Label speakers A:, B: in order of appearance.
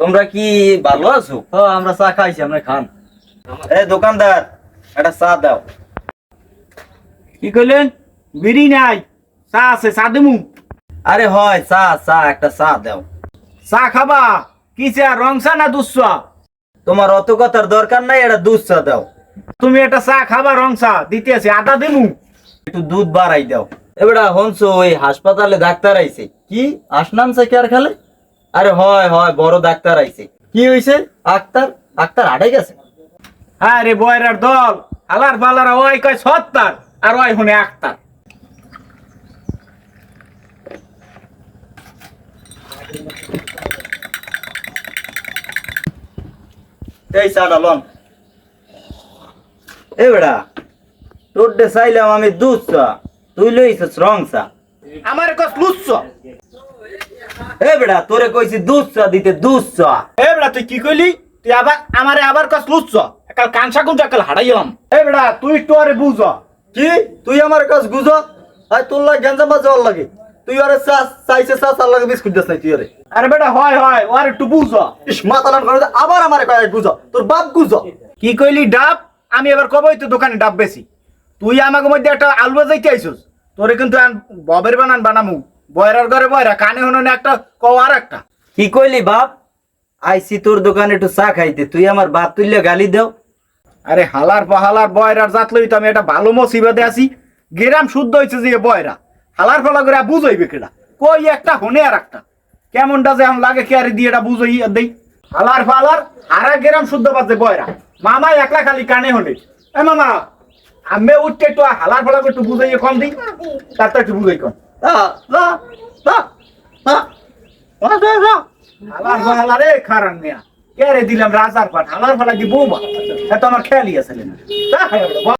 A: তোমরা কি ভালো আছো?
B: আমরা চা খাইছি, আমরা খান।
A: এই দোকানদার, একটা চা দাও।
B: কি কইলেন? বিড়ি নাই, চা আছে, চা দিমু।
A: আরে হয় চা, চা একটা চা দাও।
B: চা খাবা? কি চা, রং চা না দুধ চা?
A: তোমার অত কথার দরকার নাই, একটা দুধ চা দাও।
B: তুমি একটা চা খাবা, রং চা দিতে আছে, আদা দিমু।
A: একটু দুধ বাড়াই দাও। এবারে হনছো ওই হাসপাতালে ডাক্তার আইছে। কি আসনাম কি আর খালে? আরে হয় হয়, বড় ডাক্তার আইছে। কি হইছে? আক্তার আক্তার আড়াই গেছে।
B: হ্যাঁ রে বয়রার দল, হালার পালারা ওই কয় ৭০ আর ওই হুনে আক্তার।
A: এই চাটা লন। এ বেড়া, তোর ডে চাইলাম আমি দুধ চা, তুই লইছিস রং চা।
B: আমার কস লুচ্ছ।
A: এ বেড়া, তোরে কইছি দুধ চা দিতে, দুধ চা।
B: এ বেড়া তুই কি কইলি? তুই আবার আমারে আবার কস লুচ্ছ। একাল কানসা কুঞ্জা একাল হারাইলাম। এ বেড়া তুই একটু আরে বুঝ।
A: কি তুই আমার কাছে গুজ? আই তোর লাগে গেঞ্জা বাজে ওর লাগে। তুই আরে চা চাইছে, চা চার লাগে বিস্কুট দিস নাই তুই আরে।
B: আরে বেটা হয় হয়, ও আর একটু বুঝ।
A: ইস মাতালান করে আবার আমারে কয় গুজ, তোর বাপ গুজ।
B: কি কইলি ডাব? আমি এবার কবই তো দোকানে ডাব বেশি। তুই আমাকে মধ্যে একটা আলু বাজাইতে আইছস। তোরে কিন্তু ববের বানান বানামু। বয়রার ঘরে বয়রা, কানে হননে একটা কও আর একটা।
A: কি কইলি বাপ? আইসি তোর দোকানে একটু চা খাইতে, তুই আমার বাপ তুললে গালি দাও।
B: আরে হালার পাহালার বয়রার জাত লই তো আমি একটা ভালো মুসিবতে আছি। গেরাম শুদ্ধ হইছে যে বয়রা। হালার ফালা করে বুঝইবে কেডা? কই একটা হনে আর একটা। কেমনটা যে আম লাগে কি আর দিয়ে এটা বুঝই দেই। হালার ফালার হারা গেরাম শুদ্ধ বাজে বয়রা। মামা একলা খালি কানে হনে। এ মামা, আমি উঠতে একটু হালার ফালা করে একটু বুঝাইয়ে কম দিই। তারটা একটু বুঝাই কম। হালার ফালা রে খারান মিয়া। কে রে দিলাম রাজার পাট, হালার ফালা দি বৌমা। এত আমার খেয়ালই আছে না।